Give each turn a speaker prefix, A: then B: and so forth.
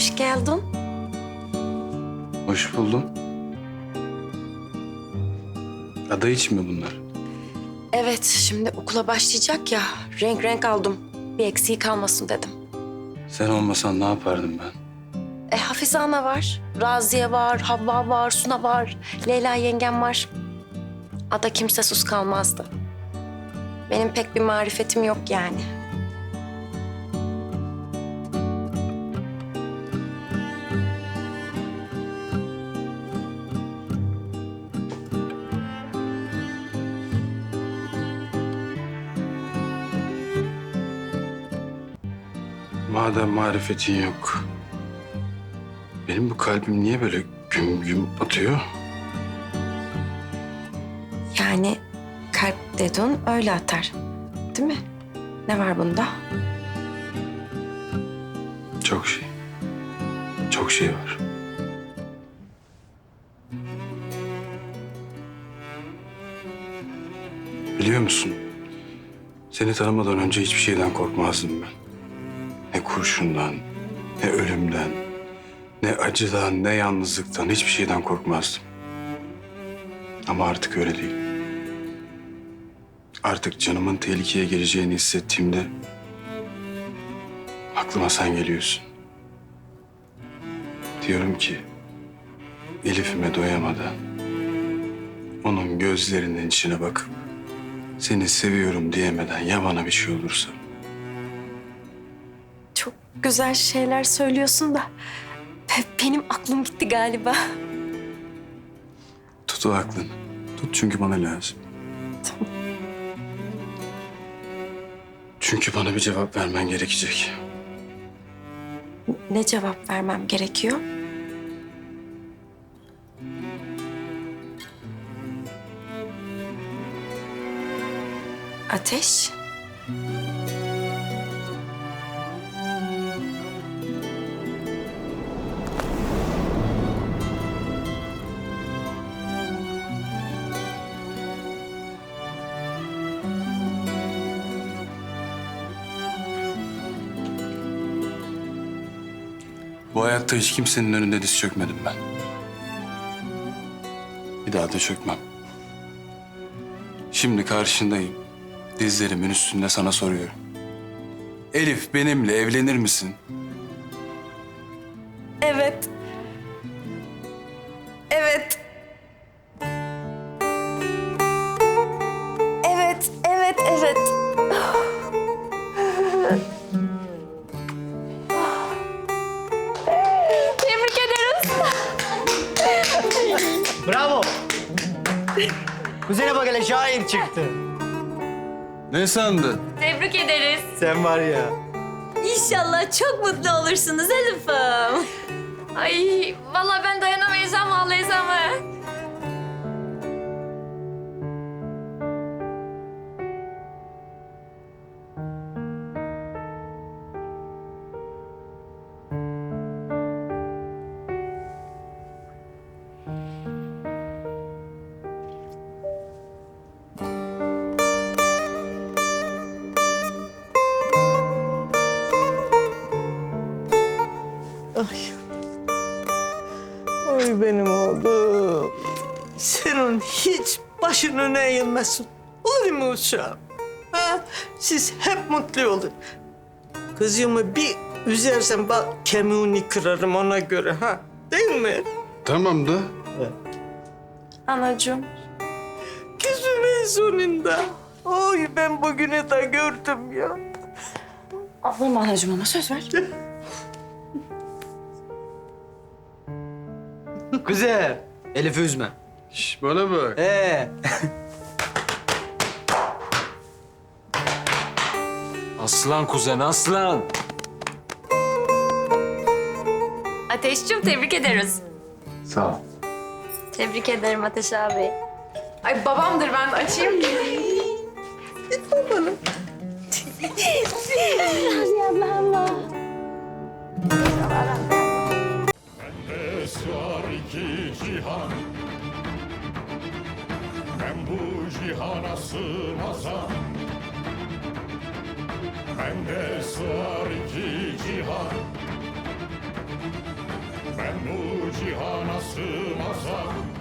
A: Hoş geldin.
B: Hoş buldum. Ada için mi bunlar?
A: Evet, şimdi okula başlayacak ya. Renk renk aldım. Bir eksiği kalmasın dedim.
B: Sen olmasan ne yapardım ben?
A: Hafize ana var, Raziye var, Havva var, Suna var, Leyla yengem var. Ada kimsesiz kalmazdı. Benim pek bir marifetim yok yani.
B: Madem marifetin yok, benim bu kalbim niye böyle güm güm atıyor?
A: Yani kalp dedin öyle atar. Değil mi? Ne var bunda?
B: Çok şey. Çok şey var. Biliyor musun? Seni tanımadan önce hiçbir şeyden korkmazdım ben. Ne kurşundan, ne ölümden, ne acıdan, ne yalnızlıktan hiçbir şeyden korkmazdım. Ama artık öyle değil. Artık canımın tehlikeye gireceğini hissettiğimde aklıma sen geliyorsun. Diyorum ki Elif'ime doyamadan onun gözlerinin içine bakıp seni seviyorum diyemeden ya bana bir şey olursa.
A: Çok güzel şeyler söylüyorsun da benim aklım gitti galiba.
B: Tut o aklını. Tut çünkü bana lazım.
A: Tamam.
B: Çünkü bana bir cevap vermen gerekecek.
A: Ne cevap vermem gerekiyor? Ateş.
B: Bu hayatta hiç kimsenin önünde diz çökmedim ben. Bir daha da çökmem. Şimdi karşındayım. Dizlerimin üstünde sana soruyorum. Elif benimle evlenir misin?
A: Evet. Evet. Evet, evet, evet. Tebrik ederiz.
C: Bravo. Kuzene bak hele şair çıktı.
B: Ne sandın?
D: Tebrik ederiz.
C: Sen var ya.
D: İnşallah çok mutlu olursunuz Elif'im. Ay vallahi ben dayanamayacağım ağlayacağım ha.
C: Oy benim oğlum. Senin hiç başın öne eğilmesin. Olur mu uşağım? Ha? Siz hep mutlu olun. Kızımı bir üzersen bak kemiğini kırarım ona göre ha. Değil mi?
B: Tamam da.
A: Anacığım.
C: Kızımın sonunda. Oy ben bugünü de gördüm ya.
A: Ağlama anacığım ama söz ver.
E: Güzel. Elif'i üzme.
B: Şş, bana bak.
E: Aslan kuzen, aslan.
D: Ateşciğim tebrik ederiz.
B: Sağ ol.
D: Tebrik ederim Ateş abi.
F: Ay babamdır ben açayım.
G: Sığar iki cihan, ben bu cihana sığmazam. Bende sığar iki cihan, Ben bu cihana sığmazam